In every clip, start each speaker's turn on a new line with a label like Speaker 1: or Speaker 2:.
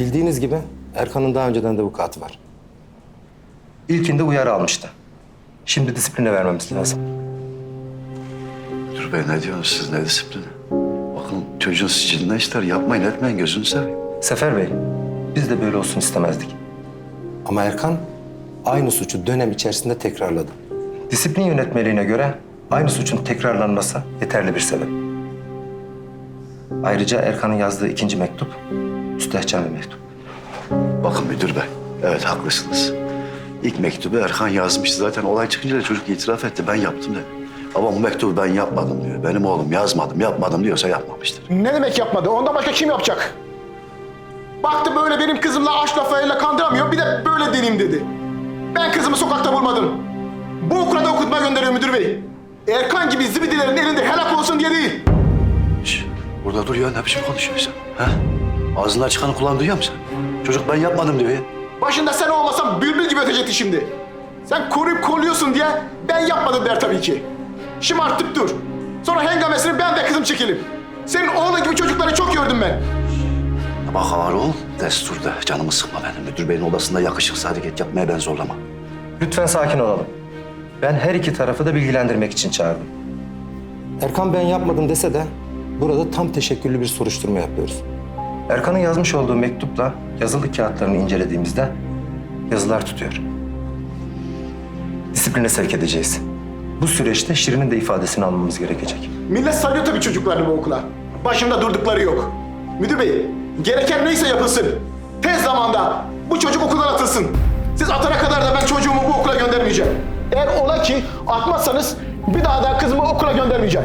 Speaker 1: Bildiğiniz gibi Erkan'ın daha önceden de vukuatı var. İlkinde uyarı almıştı. Şimdi disipline vermemiz lazım.
Speaker 2: Müdür bey ne diyorsunuz siz, ne disiplini? Bakın çocuğun siciline işler yapmayın etmeyin, gözünü seveyim.
Speaker 1: Sefer Bey, biz de böyle olsun istemezdik. Ama Erkan aynı suçu dönem içerisinde tekrarladı. Disiplin yönetmeliğine göre aynı suçun tekrarlanması yeterli bir sebep. Ayrıca Erkan'ın yazdığı ikinci mektup müstehcen bir mektup.
Speaker 2: Bakın müdür bey, evet haklısınız. İlk mektubu Erkan yazmıştı. Zaten olay çıkınca da çocuk itiraf etti. Ben yaptım dedi. Ama bu mektubu ben yapmadım diyor. Benim oğlum yazmadım, yapmadım diyorsa yapmamıştır.
Speaker 3: Ne demek yapmadı? Ondan başka kim yapacak? Baktı böyle benim kızımla aşk lafıyla kandıramıyor. Bir de böyle deneyim dedi. Ben kızımı sokakta bulmadım. Bu okula da okutmaya gönderiyor müdür bey. Erkan gibi zibidilerin elinde helak olsun diye değil.
Speaker 2: Şş, burada dur ya, ne biçim konuşuyorsun sen? Ha? Ağzından çıkanı kulağın duyuyor musun sen? Çocuk ben yapmadım diyor ya.
Speaker 3: Başında sen olmasan bülbül gibi ötecekti şimdi. Sen koruyup kolluyorsun diye ben yapmadım der tabii ki. Şımartıp dur. Sonra hengamesini ben de kızım çekelim. Senin oğlun gibi çocukları çok gördüm ben.
Speaker 2: Bak ağır ol, desturda. Canımı sıkma benim. Müdür beyin odasında yakışıksız hareket yapmaya ben zorlama.
Speaker 1: Lütfen sakin olalım. Ben her iki tarafı da bilgilendirmek için çağırdım. Erkan ben yapmadım dese de burada tam teşekküllü bir soruşturma yapıyoruz. Erkan'ın yazmış olduğu mektupla yazılı kağıtlarını incelediğimizde yazılar tutuyor. Disipline sevk edeceğiz. Bu süreçte Şirin'in de ifadesini almamız gerekecek.
Speaker 3: Millet sarıyor tabii çocuklarını bu okula. Başında durdukları yok. Müdür bey, gereken neyse yapılsın. Tez zamanda bu çocuk okuldan atılsın. Siz atana kadar da ben çocuğumu bu okula göndermeyeceğim. Eğer ola ki atmazsanız bir daha da kızımı okula göndermeyeceğim.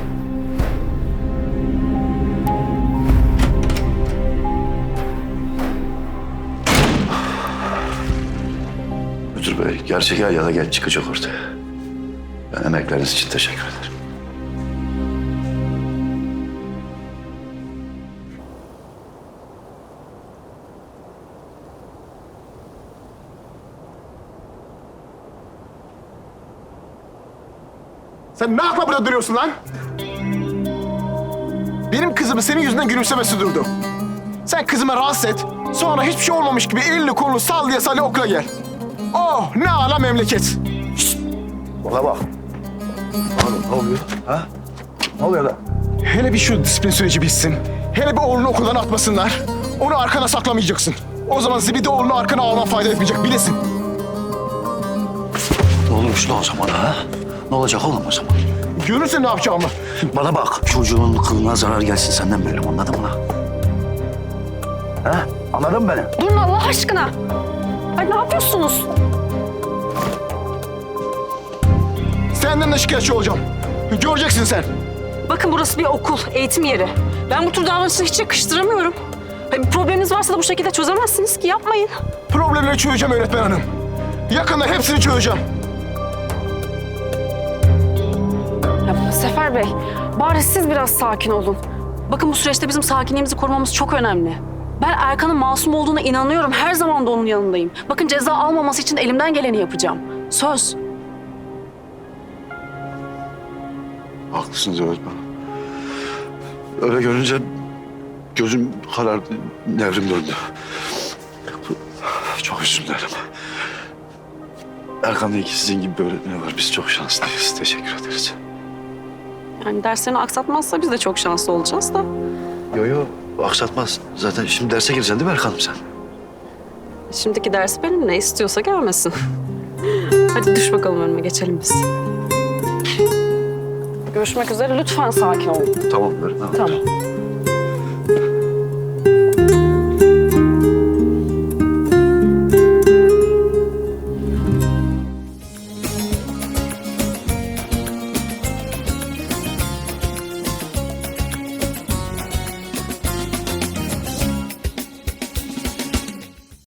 Speaker 2: Müdür bey, gerçek ya da geç çıkacak ortaya. Ben emekleriniz için teşekkür ederim.
Speaker 3: Sen ne yapma burada duruyorsun lan? Benim kızımı senin yüzünden gülümsemesi durdu. Sen kızıma rahatsız et. Sonra hiçbir şey olmamış gibi elini kolunu sallaya sallaya okula gel. Oh ne ala memleket. Şişt,
Speaker 2: Bana bak. Oğlum ne oluyor? Ha? Ne oluyor da?
Speaker 3: hele bir şu disiplin süreci bitsin. Hele bir oğlunu okuldan atmasınlar. Onu arkana saklamayacaksın. O zaman zibidi oğlunu arkana alman fayda etmeyecek bilesin.
Speaker 2: Ne olmuş lan o zaman ha? Ne olacak oğlum o zaman?
Speaker 3: Görürsün ne yapacağımı.
Speaker 2: Bana bak, çocuğun kılına zarar gelsin senden böyle, anladın mı lan? Ha? Anladın mı beni?
Speaker 4: Durun Allah aşkına. Ay ne yapıyorsunuz?
Speaker 3: Senden de şikayetçi olacağım. Göreceksin sen.
Speaker 4: Bakın burası bir okul, eğitim yeri. Ben bu tür davranışları hiç yakıştıramıyorum. Ay, bir probleminiz varsa da bu şekilde çözemezsiniz ki, yapmayın.
Speaker 3: Problemleri çözeceğim öğretmen hanım. Yakında hepsini çözeceğim.
Speaker 4: Ya, Sefer Bey, bari siz biraz sakin olun. Bakın bu süreçte bizim sakinliğimizi korumamız çok önemli. Ben Erkan'ın masum olduğuna inanıyorum. Her zaman da onun yanındayım. Bakın ceza almaması için de elimden geleni yapacağım. Söz.
Speaker 2: Haklısınız öğretmen. Öyle görünce gözüm karardı, nevrim döndü. Çok özür dilerim. Erkan'da iki sizin gibi bir öğretmeni var. Biz çok şanslıyız. Teşekkür ederiz.
Speaker 4: Yani derslerini aksatmazsa biz de çok şanslı olacağız da.
Speaker 2: Yo, aksatmaz. Zaten şimdi derse gireceksin değil mi Erkan'ım sen?
Speaker 4: Şimdiki dersi benim, ne istiyorsa gelmesin. Hadi düş bakalım önüme, geçelim biz. Görüşmek üzere, lütfen sakin olun.
Speaker 2: Tamam öğretmenim.
Speaker 4: Tamam.